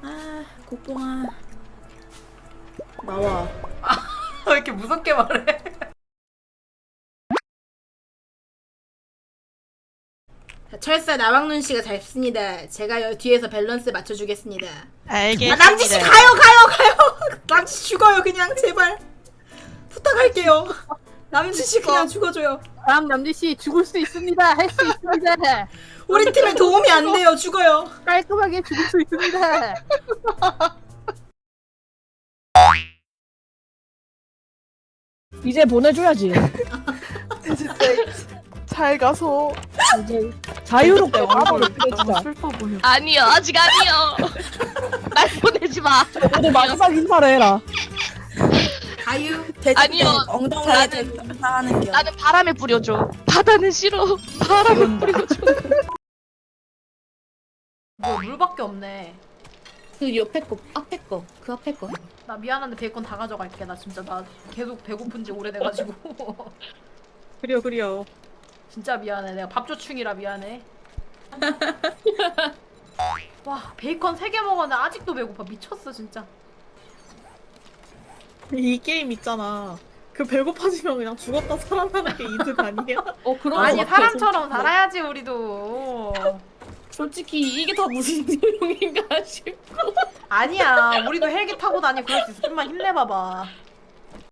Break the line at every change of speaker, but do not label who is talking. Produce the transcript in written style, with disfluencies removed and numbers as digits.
아, 국뽕아. 나와.
왜 이렇게 무섭게 말해?
철사 나왕눈 씨가 잡습니다. 제가 뒤에서 밸런스 맞춰주겠습니다.
알겠습니다.
아, 남지 씨 가요. 남지 씨 죽어요 그냥 제발 부탁할게요. 남지 씨 그냥 죽어줘요.
다음 남지씨 죽을 수 있습니다. 할 수 있습니다.
우리 팀에 도움이 안 돼요. 죽어요.
깔끔하게 죽을 수 있습니다. 이제 보내줘야지.
진짜 잘 가서
이제 자유롭게 와버려 진짜.
슬퍼 보여.
아니요, 아직 아니요. 날 보내지 마.
너도 마지막 인사를 해라.
가유.
아니요.
엉덩이에
나는-
대고 감사하는 겨.
나는 바람에 뿌려줘. 바다는 싫어. 바람에 뿌려줘.
뭐 물밖에 없네.
그 옆에 거, 앞에 거, 그 앞에 거.
나 미안한데 베이컨 다 가져갈게. 나 진짜 나 계속 배고픈지 오래돼가지고.
그려.
진짜 미안해. 내가 밥조충이라 미안해. 와 베이컨 3개 먹었는데 아직도 배고파. 미쳤어 진짜.
이 게임 있잖아. 그 배고파지면 그냥 죽었다 살아나는 게 이득 아니야?
그런
아니 사람처럼 살아야지 우리도.
솔직히 이게 다 무슨 내용인가 싶어.
아니야 우리도 헬기 타고 다니고 그럴 수 있어. 좀만 힘내봐봐.